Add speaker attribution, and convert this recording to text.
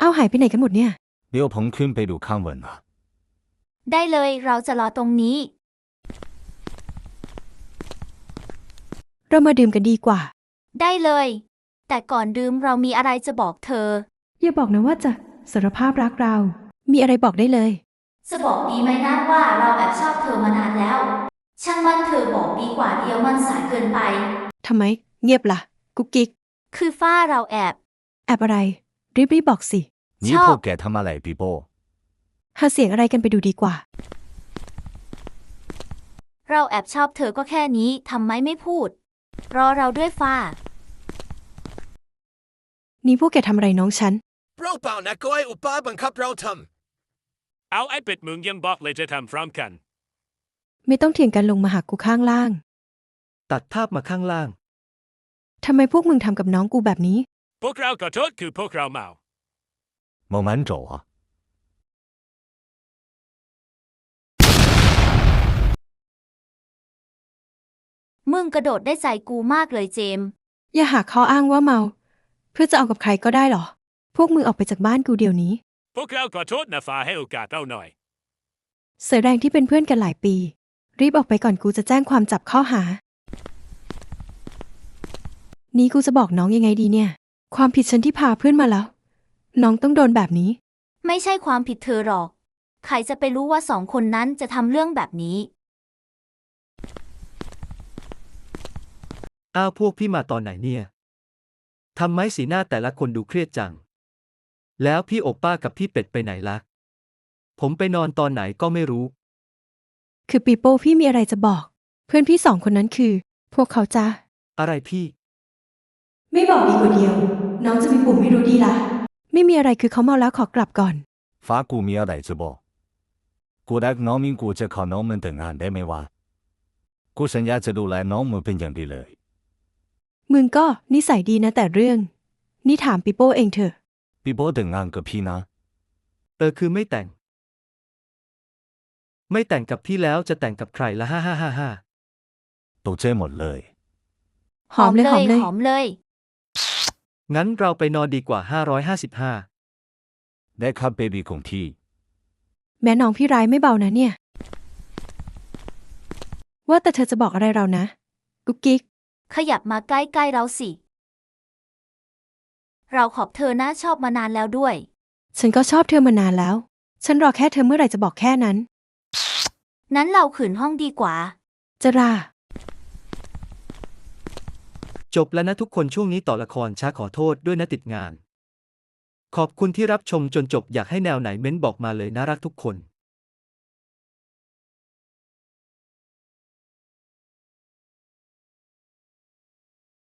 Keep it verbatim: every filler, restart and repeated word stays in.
Speaker 1: เอาหายไปไหนกันหมดเนี่ย
Speaker 2: 刘鹏坤被鲁康吻了。
Speaker 3: ได้เลยเราจะรอตรงนี้
Speaker 1: เรามาดื่มกันดีกว่า
Speaker 3: ได้เลยแต่ก่อนดื่มเรามีอะไรจะบอกเธอ
Speaker 1: อย่าบอกนะว่าจะสารภาพรักเรามีอะไรบอกได้เลย
Speaker 3: จะบอกดีไหมนะว่าเราแอบชอบเธอมานานแล้วช่างมันเธอบอกดีกว่าเดียวมันสายเกินไป
Speaker 1: ทำไมเงียบละ่ะกุ๊กกิ๊ก
Speaker 3: คือฝ้าเราแอบ
Speaker 1: แอบอะไรรีบรีบบอกสิ
Speaker 2: 你破给他妈来比波
Speaker 1: หาเสียงอะไรกันไปดูดีกว่า
Speaker 3: เราแอบชอบเธอก็แค่นี้ทำไมไม่พูดรอเราด้วยฝ้า
Speaker 1: นี่พวกแกทำอะไรน้องฉัน
Speaker 4: เราเปล่านะก็ไอ้อุปาบังคับเราท
Speaker 5: ำเอาไอ้เป็ดมึงยังบอกเลยจะทำพร้อมกัน
Speaker 1: ไม่ต้องเถียงกันลงมาหากูข้างล่าง
Speaker 6: ตัดภาพมาข้างล่าง
Speaker 1: ทำไมพวกมึงทำกับน้องกูแบบนี้
Speaker 5: พวกเราขอโทษคือพวกเราเมา
Speaker 2: 猛蛮走啊
Speaker 3: มึงกระโดดได้ใจกูมากเลยเจม
Speaker 1: อย่าหาข้ออ้างว่าเมาเพื่อจะเอากับใครก็ได้หรอพวกมึงออกไปจากบ้านกูเดี๋ยวนี้
Speaker 5: พวกเราขอโทษนะฟ้าให้โอกาสเราหน่อย
Speaker 1: เสือแดงที่เป็นเพื่อนกันหลายปีรีบออกไปก่อนกูจะแจ้งความจับข้อหานี้กูจะบอกน้องยังไงดีเนี่ยความผิดฉันที่พาเพื่อนมาแล้วน้องต้องโดนแบบนี้
Speaker 3: ไม่ใช่ความผิดเธอหรอกใครจะไปรู้ว่าสองคนนั้นจะทำเรื่องแบบนี้
Speaker 6: อ้าวพวกพี่มาตอนไหนเนี่ยทำไมสีหน้าแต่ละคนดูเครียดจังแล้วพี่โอป้ากับพี่เป็ดไปไหนล่ะผมไปนอนตอนไหนก็ไม่รู้
Speaker 1: คือปีโป้พี่มีอะไรจะบอกเพื่อนพี่สองคนนั้นคือพวกเขาจะ
Speaker 6: อะไรพี่
Speaker 1: ไม่บอกดีกว่าเดียวน้องจะมีปุ่มไม่รู้ดีละไม่มีอะไรคือเขาเมาแล้วขอกลับก่อน
Speaker 2: 法古米尔来直播古代农民古จะขอน้องมันแต่งงานได้ไหมวะกูสัญญาจะดูแลน้องมึงเป็นอย่างดีเลย
Speaker 1: มึงก็นิสัยดีนะแต่เรื่องนี่ถามปีโป้เองเถอะ
Speaker 2: ปีโป้แต่งงานกับพี่นะ
Speaker 6: เออคือไม่แต่งไม่แต่งกับพี่แล้วจะแต่งกับใครละฮ่าฮ่าฮ่าฮ่า
Speaker 2: ตกใจหมดเลย
Speaker 1: หอมเลยหอมเลย
Speaker 3: หอมเลย
Speaker 6: งั้นเราไปนอนดีกว่าห้าร้อยห้าสิบห้า
Speaker 2: ได้ครับเบบี้ของพี่
Speaker 1: แม่น้องพี่ร้ายไม่เบานะเนี่ยว่าแต่เธอจะบอกอะไรเรานะกุ๊กกิ๊ก
Speaker 3: ขยับมาใกล้ๆเราสิเราขอบเธอนะชอบมานานแล้วด้วย
Speaker 1: ฉันก็ชอบเธอมานานแล้วฉันรอแค่เธอเมื่อไหร่จะบอกแค่นั้น
Speaker 3: นั้นเราขืนห้องดีกว่า
Speaker 1: จะรา
Speaker 6: จบแล้วนะทุกคนช่วงนี้ต่อละครช้าขอโทษด้วยนะติดงานขอบคุณที่รับชมจนจบอยากให้แนวไหนเม้นบอกมาเลยน่ารักทุกคน